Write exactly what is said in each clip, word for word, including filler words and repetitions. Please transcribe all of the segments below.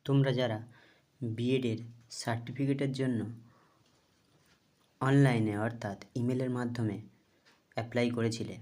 তোমরা যারা বিএডের সার্টিফিকেটের জন্য অনলাইনে অর্থাৎ ইমেলের মাধ্যমে অ্যাপ্লাই করেছিলে,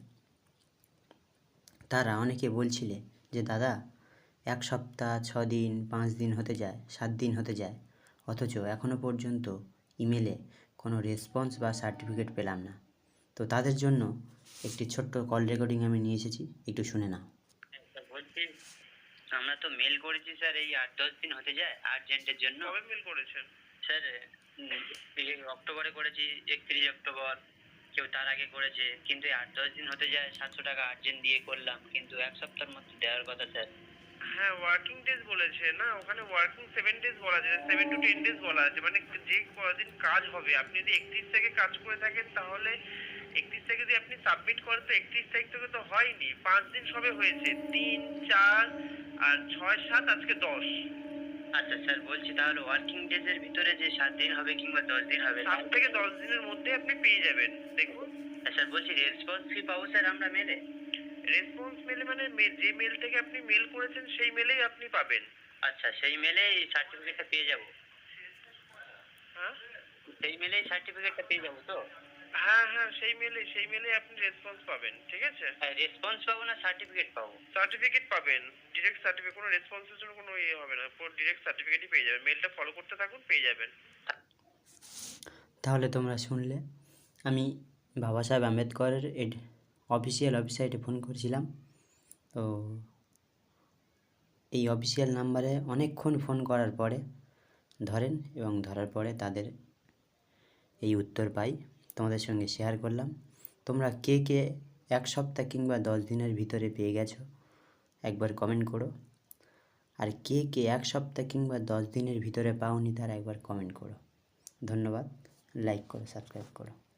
তারা অনেকে বলছিলে যে দাদা এক সপ্তাহ ছ দিন পাঁচ দিন হতে যায়, সাত দিন হতে যায়, অথচ এখনও পর্যন্ত ইমেলে কোনো রেসপন্স বা সার্টিফিকেট পেলাম না। তো তাদের জন্য একটি ছোট্ট কল রেকর্ডিং আমি নিয়ে এসেছি, একটু শুনে নাও। বলছি, আমরা তো মেল করেছি স্যার, এই আট দশ দিন হতে যায় আর্জেন্টের জন্য। কবে মেল করেছেন স্যার অক্টোবরে করেছি, একত্রিশ অক্টোবর, কেউ তার আগে করেছে, কিন্তু এই আট দশ দিন হতে যায়, সাতশো টাকা আর্জেন্ট দিয়ে করলাম, কিন্তু এক সপ্তাহের মধ্যে দেওয়ার কথা স্যার। হ্যাঁ, ওয়ার্কিং ডেজ বলেছে না, ওখানে ওয়ার্কিং সেভেন ডেজ বলা আছে, সেভেন টু টেন ডেজ বলা আছে, মানে যে কদিন কাজ হবে। আপনি যদি একত্রিশ থেকে কাজ করে থাকেন তাহলে একত্রিশ থেকে যদি আপনি সাবমিট করেন তো একত্রিশ তারিখ থেকে তো হয়নি, পাঁচ দিন সবে হয়েছে, তিন চার আর ছয় সাত আজকে দশ। আচ্ছা স্যার, বলছি তাহলে ওয়ার্কিং ডেজ এর ভিতরে যে সাত দিন হবে কিংবা দশ দিন হবে, সাত থেকে দশ দিনের মধ্যে আপনি পেয়ে যাবেন। দেখুন স্যার, বলছি রেসপন্স ফি পাবো স্যার আমরা মেলে? রেসপন্স মেলে মানে যে মেল থেকে আপনি মেল করেছেন সেই মেলেই আপনি পাবেন। আচ্ছা, সেই মেলেই সার্টিফিকেটটা পেয়ে যাব? হ্যাঁ, সেই মেলেই সার্টিফিকেটটা পেয়ে যাবো তো? হ্যাঁ হ্যাঁ সেই মেলে সেই মেলে আপনি রেসপন্স পাবেন। ঠিক আছে, রেসপন্স পাবো না সার্টিফিকেট পাবো? সার্টিফিকেট পাবেন, ডিরেক্ট সার্টিফিকেট। কোনো রেসপন্সের জন্য কোনো ইয়ে হবে না, পুরো ডিরেক্ট সার্টিফিকেটই পেয়ে যাবেন। মেলটা ফলো করতে থাকুন, পেয়ে যাবেন। তাহলে তোমরা শুনলে, আমি বাবা সাহেব আম্বেদকরের অফিসিয়াল ওয়েবসাইটে ফোন করেছিলাম। তো এই অফিসিয়াল নাম্বারে অনেকক্ষণ ফোন করার পরে ধরেন, এবং ধরার পরে তাদের এই উত্তর পাই, তোমাদের সঙ্গে শেয়ার করলাম। তোমরা কে কে এক সপ্তাহ কিংবা দশ দিনের ভিতরে পেয়ে গেছো একবার কমেন্ট করো, আর কে কে এক সপ্তাহ কিংবা দশ দিনের ভিতরে পাওনি তারা একবার কমেন্ট করো। ধন্যবাদ, লাইক করো, সাবস্ক্রাইব করো।